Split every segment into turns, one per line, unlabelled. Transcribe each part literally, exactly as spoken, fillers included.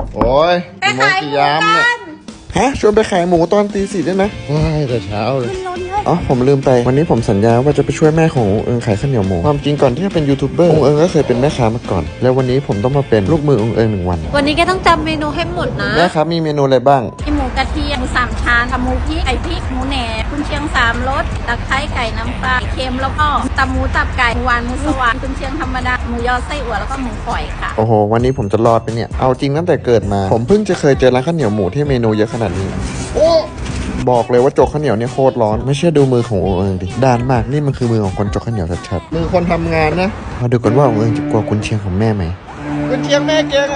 โอ้ย
ไปขายหมูกัน
ฮะชวนไปขายหมูตอนตีสี่ได้ไหมว้ายแต่เช้าเลย
ขึ้นรถเลย
อ๋อผมลืมไปวันนี้ผมสัญญาว่าจะไปช่วยแม่ขององค์เอิงขายข้าวเหนียวหมูความจริงก่อนที่จะเป็นยูทูบเบอร์องค์เอิงก็เคยเป็นแม่ค้ามาก่อนแล้ววันนี้ผมต้องมาเป็นลูกมือองค์เอิงหนึ่งวัน
วันนี้แกต้องจำเมนูให้หมดนะ
แม่ครับมีเมนูอะไรบ้าง
มีหมูกระเทียมหมูสามชั้นทำหมูพริกไก่พริกหมูแหนมกุนเชียงสามรสตะไคร้ไก่น้ำปลาเค็มแล้วก็ตำหมูตับไก่หมูหวานหมูสวรรค์กุนเชียงธรรมดาหมูยอไส้อั่วแล้วก็หมูฝอยค่ะ
โอ้โหวันนี้ผมจะรอดไปเนี่ยเอาจริงตั้งแต่เกิดมาผมเพิ่งจะเคยเจอร้านข้าวเหนียวหมูที่เมนูเยอะขนาดนี้บอกเลยว่าจกข้าวเหนียวเนี่ยโคตรร้อนไม่เชื่อดูมือขององค์เอิงดิด้านมากนี่มันคือมือของคนจกข้าวเหนียวชัดๆมือคนทำงานนะมาดูกันว่าองค์เอิงจะกลัวกุนเชียงของแม่ไหมกุนเชียงแม่เก่งไง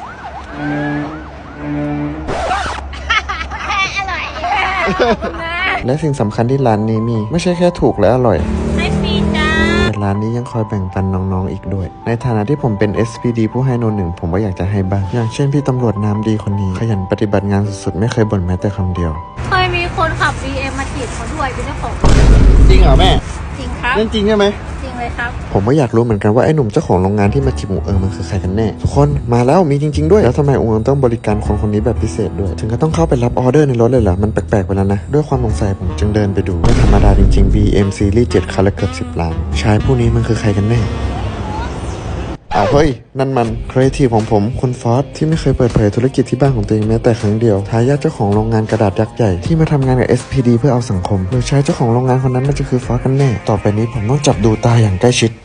อร่อยนะ
และสิ่งสำคัญที่ร้านนี้มีไม่ใช่แค่ถูกและอร่อย
ให้ฟรีจ้า
แต่ร้านนี้ยังคอยแบ่งปันน้องๆอีกด้วยในฐานะที่ผมเป็น เอส พี ดี ผู้ให้โนนหนึ่งผมก็อยากจะให้บ้างอย่างเช่นพี่ตำรวจน้ำดีคนนี้ขยันปฏิบัติงานสุดๆไม่เคยบ่นแม้แต่คำเดียว
เคยมีคนขับ บี เอ็ม มาจีบเขาด้วยเป็นเจ้าของ
จริงเหรอแม่
จริงครับ
เรื่องจริงใช่ไหม
จริงเลยครับ
ผมก็อยากรู้เหมือนกันว่าไอ้หนุ่มเจ้าของโรงงานที่มาจีบองค์เอิงมันคือใครกันแน่ทุกคนมาแล้วมีจริงๆด้วยแล้วทำไมองค์เอิงต้องบริการคนคนนี้แบบพิเศษด้วยถึงก็ต้องเข้าไปรับออเดอร์ในรถเลยเหรอมันแปลกๆไปแล้วนะด้วยความสงสัยผมจึงเดินไปดูไม่ธรรมดาจริงๆ บี เอ็ม Series เจ็ดคันละเกือบสิบล้านชายผู้นี้มันคือใครกันแน่อ้าวเฮ้ยนั่นมันครีเอทีฟของผมคุณฟอสที่ไม่เคยเปิดเผยธุรกิจที่บ้านของตัวเองแม้แต่ครั้งเดียวทายาทเจ้าของโรงงานกระดาษยักษ์ใหญ่ที่มาทำงานกับ เอส พี ดี เพื่อเอาสังคมโดยใช้เจ้าของโรงงานคนนั้นมันจะคือฟอสกันแน่ต่อไปนี้ผมต้องจับดูตาอย่างใกล้ชิด